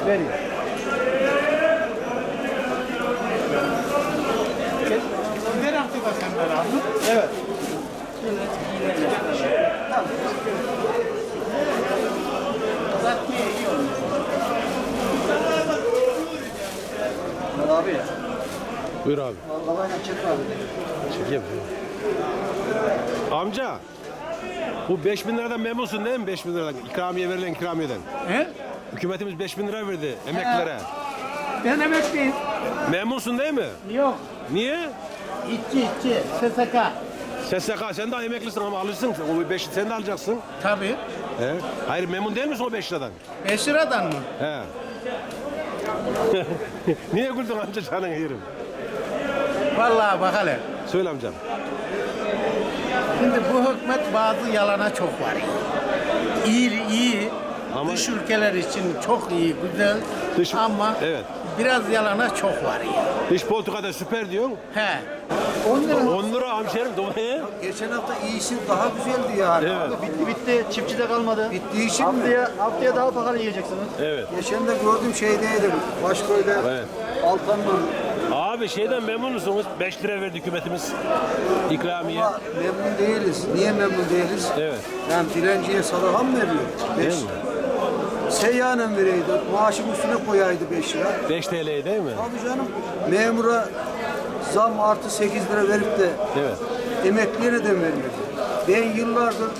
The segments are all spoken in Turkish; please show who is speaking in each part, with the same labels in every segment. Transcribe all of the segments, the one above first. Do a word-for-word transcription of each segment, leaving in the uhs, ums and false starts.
Speaker 1: Veriyor.
Speaker 2: Ver artık bakanlar abi.
Speaker 1: Evet.
Speaker 2: Uzatmaya iyi olmuş.
Speaker 1: Abi ya.
Speaker 3: Buyur abi.
Speaker 1: Babayla çekme abi.
Speaker 3: Çekeyim. Amca. Bu beş bin liradan memnunsun değil mi? beş bin liradan. İkramiye verilen ikramiyeden.
Speaker 2: He?
Speaker 3: Hükümetimiz beş bin lira verdi emeklilere.
Speaker 2: Ben emekliyim.
Speaker 3: Memnunsun değil mi?
Speaker 2: Yok.
Speaker 3: Niye?
Speaker 2: İtçi itçi. S S K.
Speaker 3: S S K sen de emeklisin ama alırsın. O beş sen de alacaksın.
Speaker 2: Tabii.
Speaker 3: He. Hayır memnun değil misin o beş liradan?
Speaker 2: beş liradan mı?
Speaker 3: He. Niye güldün amca canın yerim?
Speaker 2: Vallahi bak hele.
Speaker 3: Söyle amcam.
Speaker 2: Şimdi bu hükümet bazı yalana çok var. İyi, iyi.
Speaker 3: Ama-
Speaker 2: Dış ülkeler için çok iyi, güzel.
Speaker 3: Dış-
Speaker 2: Ama
Speaker 3: evet.
Speaker 2: biraz yalana çok var.
Speaker 3: Dış politikada süper diyorsun.
Speaker 2: He.
Speaker 1: on lira.
Speaker 3: on lira hemşerim dolayı.
Speaker 1: Geçen hafta iyisi daha güzeldi yani.
Speaker 3: Evet.
Speaker 1: Bitti bitti. Çiftçide kalmadı.
Speaker 4: Bittiği için
Speaker 1: Haftaya, haftaya daha pahalı yiyeceksiniz.
Speaker 3: Evet.
Speaker 4: geçen de gördüm şeydeydim. Başköy'de
Speaker 3: Evet.
Speaker 4: Altan'la.
Speaker 3: Abi şeyden memnun musunuz? beş lira verdi hükümetimiz ikramiye.
Speaker 4: Ama memnun değiliz. Niye memnun değiliz?
Speaker 3: Evet.
Speaker 4: Yani dilenciye sadaka mı veriyor?
Speaker 3: Değil
Speaker 4: Beş.
Speaker 3: mi?
Speaker 4: Seyyanen vereydi. Maaşın üstüne koyaydı beş lira.
Speaker 3: beş T L değil mi?
Speaker 4: Abi canım memura zam artı sekiz lira verip de
Speaker 3: Evet.
Speaker 4: emekliye neden vermiyor? Ben yıllardır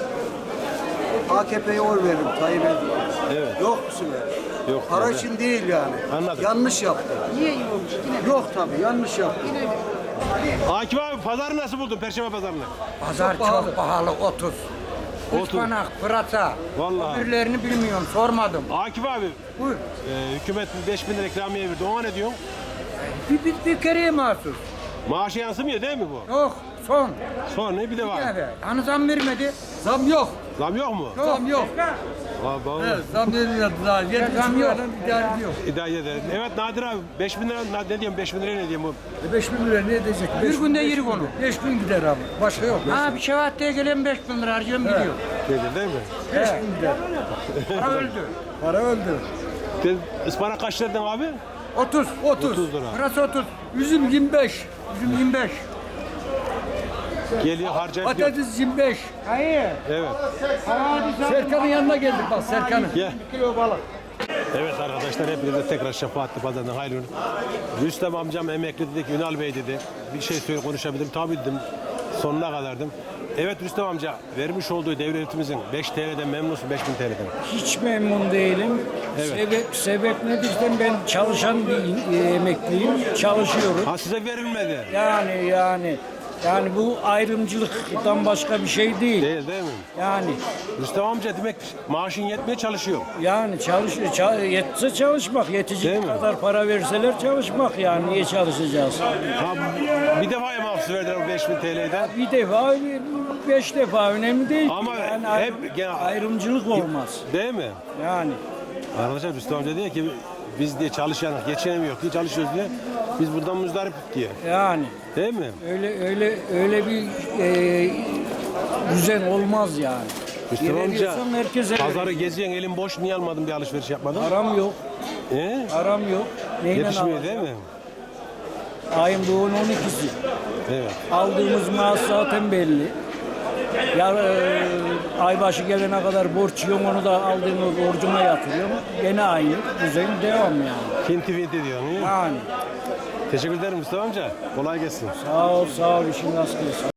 Speaker 4: A K P'ye oy verdim Tayyip Erdoğan.
Speaker 3: Evet.
Speaker 4: Yok bu sefer.
Speaker 3: Yok,
Speaker 4: Para
Speaker 3: tabii.
Speaker 4: için değil yani.
Speaker 3: Anladım.
Speaker 4: Yanlış yaptı.
Speaker 2: Niye iyi olmuş? Yine
Speaker 4: Yok tabii yanlış yaptı.
Speaker 3: Akif abi pazarı nasıl buldun? Perşembe pazarını.
Speaker 5: Pazar çok pahalı, otuz.
Speaker 3: otuz.
Speaker 5: Ispanak, pırasa.
Speaker 3: Vallahi.
Speaker 5: Öbürlerini bilmiyorum, sormadım.
Speaker 3: Akif abi
Speaker 5: Buyur.
Speaker 3: e, hükümet beş bin lira ikramiye verdi. Ona ne diyorsun?
Speaker 5: Bir, bir, bir kereye mahsus.
Speaker 3: Maaşa yansımıyor değil mi bu?
Speaker 5: Yok, son.
Speaker 3: Sonra bir de var.
Speaker 5: Evet. Hani zam vermedi.
Speaker 6: Zam yok.
Speaker 3: Zam yok mu?
Speaker 5: Yok.
Speaker 6: Zam yok.
Speaker 3: Abi, abi.
Speaker 6: Evet, zam vermiyordu daha. Yedi
Speaker 5: Zam
Speaker 6: buçuk
Speaker 5: yok.
Speaker 6: liradan idare ediyor.
Speaker 3: İdare edelim. Evet Nadir abi beş bin lira na- ne diyorum beş bin liraya ne diyeyim bu?
Speaker 6: E beş bin lira ne edecek?
Speaker 5: Bir
Speaker 6: Beş bin,
Speaker 5: günde
Speaker 6: beş
Speaker 5: yeri
Speaker 6: bin.
Speaker 5: konu.
Speaker 6: Beş gün gider abi. Başka yok.
Speaker 5: Ha bir şevatteye gelen beş bin lira harcıyorum gidiyor.
Speaker 3: Nedir değil mi?
Speaker 6: Beş gün gider.
Speaker 5: Para öldü.
Speaker 6: Para öldü.
Speaker 3: Sen ıspanak kaç liradan abi?
Speaker 5: otuz.
Speaker 6: otuz.
Speaker 3: otuz lira.
Speaker 5: Pırasa otuz.
Speaker 6: Üzüm yirmi beş.
Speaker 5: Üzüm yirmi beş.
Speaker 3: Geliyor harcayıp gidiyor.
Speaker 6: Patates yirmi beş.
Speaker 5: Hayır.
Speaker 3: Evet.
Speaker 6: Serkan'ın yanına geldik bak Serkan'ın.
Speaker 3: Gel.
Speaker 2: kilo balık.
Speaker 3: Evet arkadaşlar hepinize tekrar Şefaatli Pazar'dan hayırlı olsun. Rüstem amcam emekli dedik, Ünal Bey dedi. Bir şey söyle konuşabilirim. Tabii dedim. Sonuna kadardım. Evet Rüstem amca vermiş olduğu devletimizin beş T L'den memnunsun beş bin T L'den.
Speaker 7: Hiç memnun değilim.
Speaker 3: Evet.
Speaker 7: Sebep, sebep nedir? Ben çalışan bir e, emekliyim. Çalışıyorum.
Speaker 3: Ha size verilmedi.
Speaker 7: Yani yani yani bu ayrımcılıktan başka bir şey değil.
Speaker 3: Değil değil mi?
Speaker 7: Yani
Speaker 3: Rüstem amca demek maaşın yetmeye çalışıyor.
Speaker 7: yani çalış ça- yetse çalışmak,
Speaker 3: Değil
Speaker 7: yetecek
Speaker 3: mi?
Speaker 7: kadar para verseler çalışmak yani niye çalışacağız?
Speaker 3: Ha, bir defaya mahsus verdiler o beş bin T L'den.
Speaker 7: Bir defa, beş defa önemli değil. ki.
Speaker 3: Ama
Speaker 7: yani
Speaker 3: hep
Speaker 7: ayrım-
Speaker 3: gene-
Speaker 7: ayrımcılık olmaz.
Speaker 3: Değil mi?
Speaker 7: Yani
Speaker 3: Arkadaşlar Rüstem amca diyor ki biz diye çalışan geçinemiyor diye çalışıyoruz diye. Biz buradan muzdarip diye.
Speaker 7: yani
Speaker 3: Değil mi?
Speaker 7: öyle öyle öyle bir e, düzen olmaz yani.
Speaker 3: Rüstem amca
Speaker 7: Veriyorsan herkese
Speaker 3: pazarı geziyorsun elin boş niye almadın bir alışveriş yapmadın?
Speaker 7: Aram yok.
Speaker 3: He?
Speaker 7: Aram yok. Neyle
Speaker 3: Yetişmiyor değil mi?
Speaker 7: Ayın doğun on ikisi.
Speaker 3: Evet.
Speaker 7: Aldığımız maaş zaten belli. Ya e, ay başı gelene kadar borç yiyorum, onu da aldığımı borcuma yatırıyorum. Gene aynı düzen devam yani.
Speaker 3: Finti finti diyorsun. he?
Speaker 7: Yani
Speaker 3: Teşekkür ederim Mustafa amca. Kolay gelsin.
Speaker 7: sağ ol sağ ol işin rast gelsin.